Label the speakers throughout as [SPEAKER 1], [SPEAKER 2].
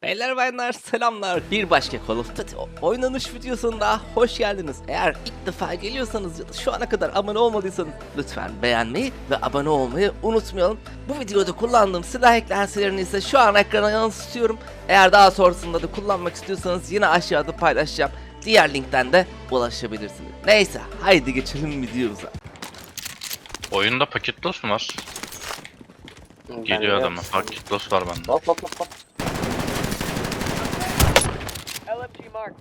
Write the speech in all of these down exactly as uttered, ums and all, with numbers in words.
[SPEAKER 1] Beyler bayanlar selamlar. Bir başka Call of Duty oynanış videosunda hoş geldiniz. Eğer ilk defa geliyorsanız ya da şu ana kadar abone olmadıysanız lütfen beğenmeyi ve abone olmayı unutmayalım. Bu videoda kullandığım silah eklentilerini ise şu an ekrana yansıtıyorum. Eğer daha sonrasında da kullanmak istiyorsanız yine aşağıda paylaşacağım. Diğer linkten de ulaşabilirsiniz. Neyse haydi geçelim videomuza.
[SPEAKER 2] Oyunda paket loss mu var? Geliyor adamı. Paket loss var bende.
[SPEAKER 3] Hop hop hop hop.
[SPEAKER 4] L M G marked.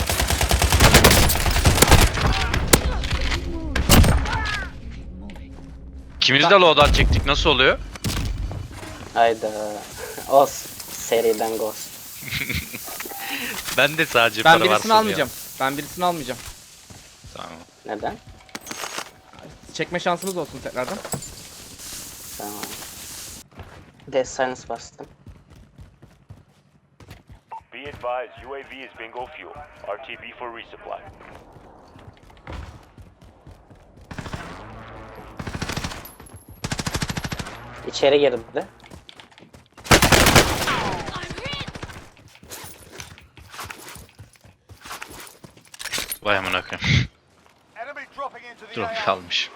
[SPEAKER 2] İkimiz de loadout çektik. Nasıl oluyor?
[SPEAKER 3] Hayda. Os. Seriden Ghost.
[SPEAKER 2] Ben de sadece
[SPEAKER 5] Ben
[SPEAKER 2] para varsa
[SPEAKER 5] birisini
[SPEAKER 2] diye.
[SPEAKER 5] almayacağım. Ben birisini almayacağım.
[SPEAKER 2] Tamam.
[SPEAKER 3] Neden?
[SPEAKER 5] Çekme şansımız olsun tekrardan.
[SPEAKER 3] Tamam. Death Silence bastım.
[SPEAKER 6] Be advised, U A V is bingo fuel. R T B for resupply.
[SPEAKER 3] İçeri girdi de.
[SPEAKER 2] Vay amına koyayım.
[SPEAKER 6] Enemy dropping into the
[SPEAKER 2] Drop kalmış.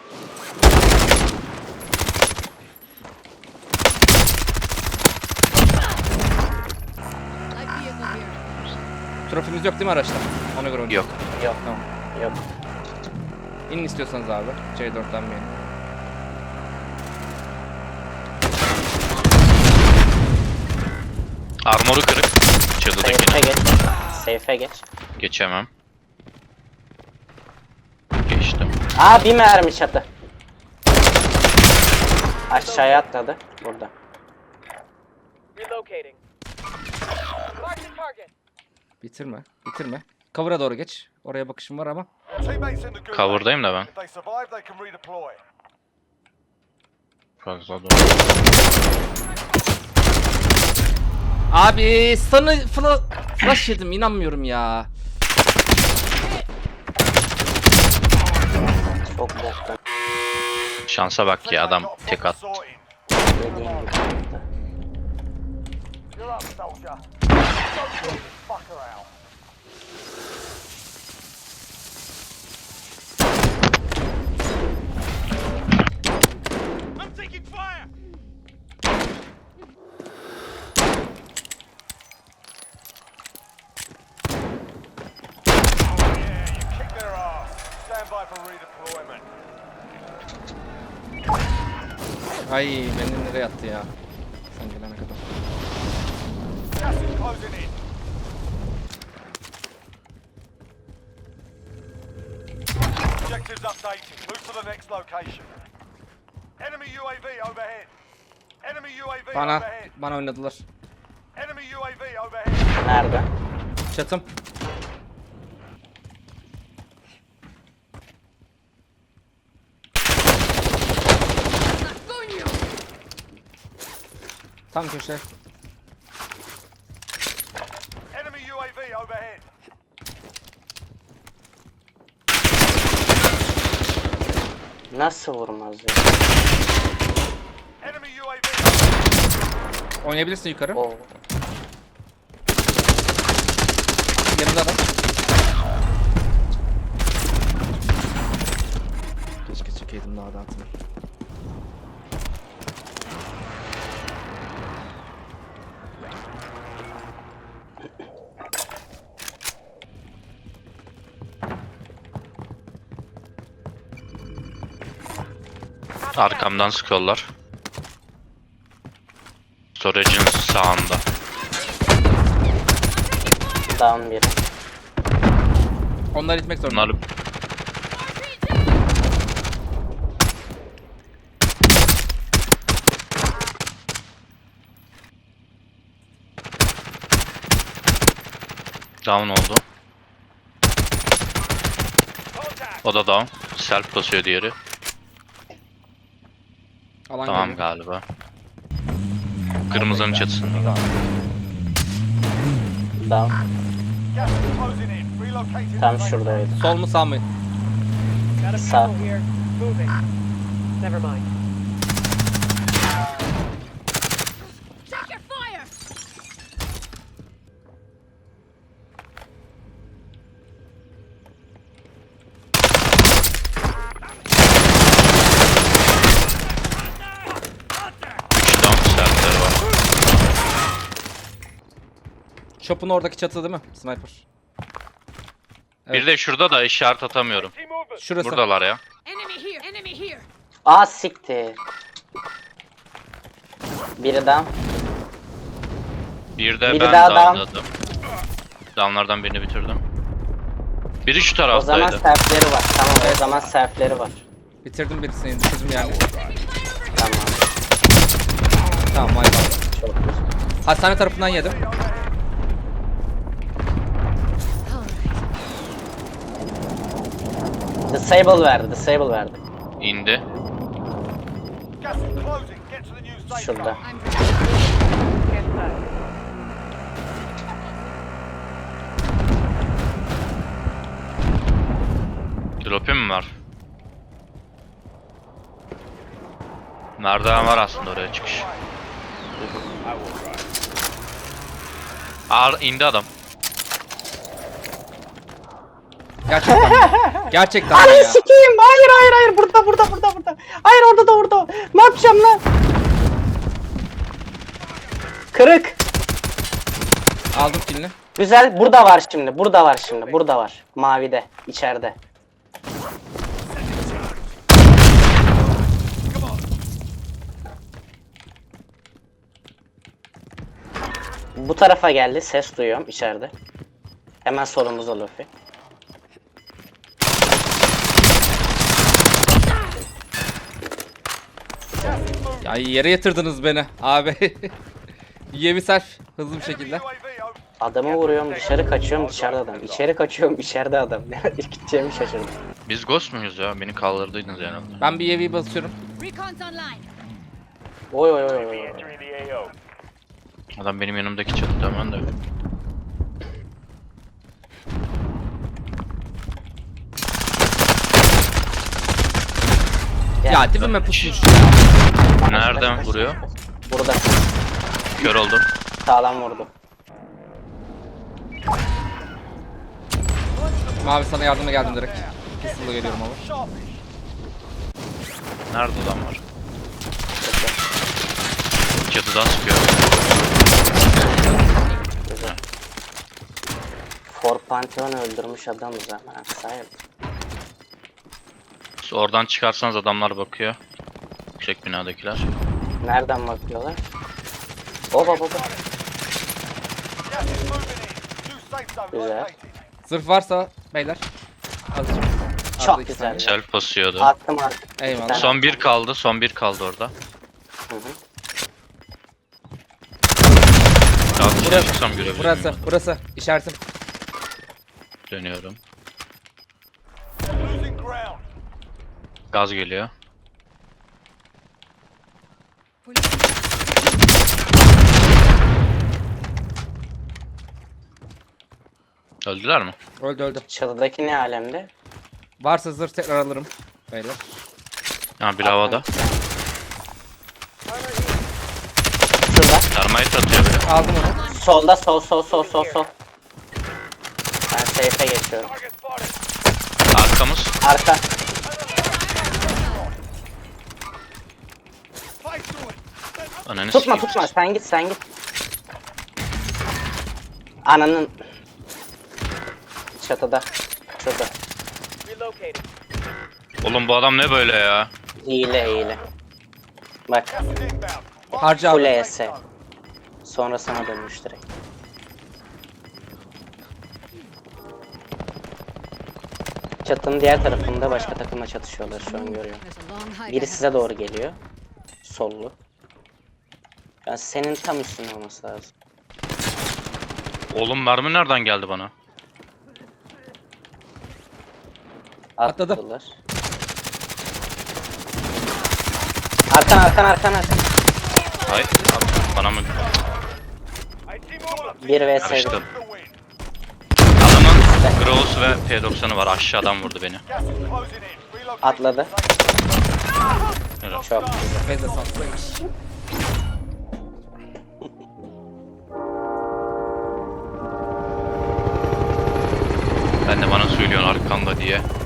[SPEAKER 5] Trofimiz yok değil mi araçta? Ona göre oynayalım.
[SPEAKER 2] Yok.
[SPEAKER 3] Yok.
[SPEAKER 5] Tamam.
[SPEAKER 3] Yok.
[SPEAKER 5] İnin istiyorsanız abi. C dörtten bir inin.
[SPEAKER 2] Armoru kırık.
[SPEAKER 3] Safe'e
[SPEAKER 2] Çatıdakine.
[SPEAKER 3] geç. Safe'e geç.
[SPEAKER 2] Geçemem. Geçtim.
[SPEAKER 3] Aa bir mermi çatı. Aşağıya atladı. Burada.
[SPEAKER 4] Relocating. Mark the target.
[SPEAKER 5] Bitirme. Bitirme. Cover'a doğru geç. Oraya bakışım var ama.
[SPEAKER 6] Teammates in the good.
[SPEAKER 2] Cover'dayım da ben.
[SPEAKER 6] If they survive, they can redeploy.
[SPEAKER 2] Fazla doğru.
[SPEAKER 5] Abi sana fla flash yedim, inanmıyorum ya.
[SPEAKER 3] Çok boktan.
[SPEAKER 2] Şansa bak ya adam
[SPEAKER 6] Got a
[SPEAKER 2] tek
[SPEAKER 6] problem
[SPEAKER 2] at.
[SPEAKER 6] sorting.
[SPEAKER 3] Dediğim gibi yaptı.
[SPEAKER 6] You're up, soldier. Don't shoot this fucker out. I'm taking fire. Oh yeah, you kicked their ass. Stand by for redeployment.
[SPEAKER 5] Ay beni nereye attı ya? Sen gelene kadar.
[SPEAKER 6] Gas is closing in. Objectives updated. Move to the next location. Enemy U A V overhead. Enemy U A V
[SPEAKER 5] Bana
[SPEAKER 6] overhead.
[SPEAKER 5] bana oynadılar.
[SPEAKER 6] Enemy U A V overhead.
[SPEAKER 3] Nerede?
[SPEAKER 5] Çatım. Tam köşe.
[SPEAKER 6] Enemy U A V overhead.
[SPEAKER 3] Nasıl vurmaz ya?
[SPEAKER 6] Enemy U A V.
[SPEAKER 5] Oynayabilirsin yukarı.
[SPEAKER 3] Oo.
[SPEAKER 5] Yanında adam. Keşke çekeydim daha da atmayı.
[SPEAKER 2] Arkamdan sıkıyorlar. Storage'ın sağında.
[SPEAKER 3] Down biri.
[SPEAKER 5] Onları itmek zorunda.
[SPEAKER 2] Bunları down oldu.
[SPEAKER 6] Contact.
[SPEAKER 2] O da down. Self basıyor diğeri.
[SPEAKER 5] Alan
[SPEAKER 2] Tamam
[SPEAKER 5] geliyor.
[SPEAKER 2] galiba. Kırmızının çatısında.
[SPEAKER 5] Tamam.
[SPEAKER 3] Down.
[SPEAKER 6] Gas is closing in. Relocating.
[SPEAKER 3] Tam
[SPEAKER 6] the
[SPEAKER 3] şuradaydı.
[SPEAKER 5] Sol mu sağ mı?
[SPEAKER 4] Got a
[SPEAKER 3] Sağ.
[SPEAKER 4] people here. Moving. Never mind.
[SPEAKER 5] Shop'un oradaki çatı değil mi? Sniper. Evet.
[SPEAKER 2] Bir de şurada da işaret atamıyorum.
[SPEAKER 4] Team movement.
[SPEAKER 5] Şurası.
[SPEAKER 2] Buradalar ya.
[SPEAKER 7] Enemy here! Enemy here!
[SPEAKER 3] Aa siktir. Biri down.
[SPEAKER 2] Bir de
[SPEAKER 3] Biri
[SPEAKER 2] ben
[SPEAKER 3] daha down.
[SPEAKER 2] downladım. Downlardan birini bitirdim. Biri şu
[SPEAKER 3] O zaman
[SPEAKER 2] taraftaydı.
[SPEAKER 3] selfleri var. Tamam o zaman selfleri var.
[SPEAKER 5] Bitirdim birisini. Bitirdim yani.
[SPEAKER 3] Tamam.
[SPEAKER 5] Tamam vay vay.
[SPEAKER 3] Çok güzel.
[SPEAKER 5] Hastane tarafından yedim.
[SPEAKER 3] Disable verdi. Disable verdi.
[SPEAKER 2] İndi.
[SPEAKER 6] Gas is closing. Get to the new safe
[SPEAKER 3] Şurada.
[SPEAKER 6] zone.
[SPEAKER 7] I'm
[SPEAKER 4] Get inside.
[SPEAKER 2] Drop'im mi var? Merdiven var aslında oraya çıkış. Ağır indi adam.
[SPEAKER 5] Gerçekten. mi? Gerçekten mi
[SPEAKER 3] Ananı
[SPEAKER 5] ya.
[SPEAKER 3] sikeyim. Hayır hayır hayır. Burada burada burada burada. Hayır orada da orada. Ne yapacağım lan? Kırık.
[SPEAKER 5] Aldım kilini.
[SPEAKER 3] Güzel. Burada var şimdi. Burada var şimdi. Burada var. Mavide. İçeride. Bu tarafa geldi. Ses duyuyorum içeride. Hemen solumuzda Luffy.
[SPEAKER 5] Ya yere yatırdınız beni abi. Yevi self hızlı bir şekilde.
[SPEAKER 6] Enemy U A V over.
[SPEAKER 3] Adamı vuruyorum, dışarı kaçıyorum, dışarıda adam. İçeri kaçıyorum, içeride adam. İlk gideceğimi şaşırdım.
[SPEAKER 2] Biz ghost muyuz ya? Beni kaldırdıydınız yani.
[SPEAKER 5] Ben bir Yevi'yi basıyorum.
[SPEAKER 7] Recon's online!
[SPEAKER 3] Oy oy oy oy.
[SPEAKER 2] Adam benim yanımdaki çatıda hemen de.
[SPEAKER 5] Ya dibime pusmuş.
[SPEAKER 2] Nereden vuruyor?
[SPEAKER 3] Burada
[SPEAKER 2] Kör oldum.
[SPEAKER 3] sağlam vurdu.
[SPEAKER 5] Mavi sana yardıma geldim direkt. Hızlı geliyorum abi.
[SPEAKER 6] Sharpish.
[SPEAKER 2] Nerede adam var? Çatıdan sıkıyor.
[SPEAKER 3] Güzel. For Pantheon öldürmüş adamız ama sahip.
[SPEAKER 2] Oradan çıkarsanız adamlar bakıyor. Yüksek binadakiler.
[SPEAKER 3] Nereden bakıyorlar? Oba baba.
[SPEAKER 6] Gas is moving in. New safe zone
[SPEAKER 3] Güzel.
[SPEAKER 6] located.
[SPEAKER 5] Zırh varsa beyler. Azıcık. Az
[SPEAKER 3] Çok
[SPEAKER 5] da iki
[SPEAKER 3] güzel.
[SPEAKER 5] saniye.
[SPEAKER 2] Self basıyordu.
[SPEAKER 3] Attım attım.
[SPEAKER 5] Eyvallah.
[SPEAKER 2] Son bir kaldı. Son bir kaldı orada.
[SPEAKER 3] Hı hı.
[SPEAKER 2] Daha dışarı çıksam görebilirim.
[SPEAKER 5] Burası, burası. İşaretim.
[SPEAKER 2] Dönüyorum.
[SPEAKER 6] Losing ground.
[SPEAKER 2] Gaz geliyor. Öldüler mi?
[SPEAKER 5] Öldü öldü.
[SPEAKER 3] Çatıdaki ne alemde?
[SPEAKER 5] Varsa zırh tekrar alırım. Beyler.
[SPEAKER 2] Ha bir havada.
[SPEAKER 3] Şurada.
[SPEAKER 2] Termite atıyor böyle.
[SPEAKER 5] Aldım onu.
[SPEAKER 3] Solda sol sol sol sol sol. Ben safe'e geçiyorum.
[SPEAKER 6] Target spotted.
[SPEAKER 2] Arkamız.
[SPEAKER 3] Arka.
[SPEAKER 6] Place to it.
[SPEAKER 2] Ananı
[SPEAKER 3] Tutma
[SPEAKER 2] sikeyim.
[SPEAKER 3] tutma sen git sen git. Ananın. Çatıda. Şurada.
[SPEAKER 4] Relocating.
[SPEAKER 2] Oğlum bu adam ne böyle ya?
[SPEAKER 3] Hile hile. Bak.
[SPEAKER 6] Gas is inbound.
[SPEAKER 5] Harca
[SPEAKER 3] Full
[SPEAKER 5] abi.
[SPEAKER 3] E S. Sonra sana dönmüş direkt. Çatının diğer tarafında başka takımla çatışıyorlar şu an görüyorum.
[SPEAKER 7] There's a long hike.
[SPEAKER 3] Biri size doğru geliyor. Sollu. Yani senin tam üstüne olması lazım.
[SPEAKER 2] Oğlum mermi nereden geldi bana?
[SPEAKER 5] Atladı.
[SPEAKER 3] Attılar. Arkan arkan arkan arkan.
[SPEAKER 2] Hayır. Bana mı?
[SPEAKER 6] A team up.
[SPEAKER 3] bir vs bir.
[SPEAKER 2] Karıştım.
[SPEAKER 6] The win.
[SPEAKER 2] Adamın Gross ve P doksanı var. Aşağıdan vurdu beni.
[SPEAKER 6] Gas is closing in. Relocating.
[SPEAKER 3] Atladı.
[SPEAKER 2] Evet.
[SPEAKER 3] Çok güzel.
[SPEAKER 5] Fezle sal.
[SPEAKER 2] Ben de bana söylüyorsun arkanda diye.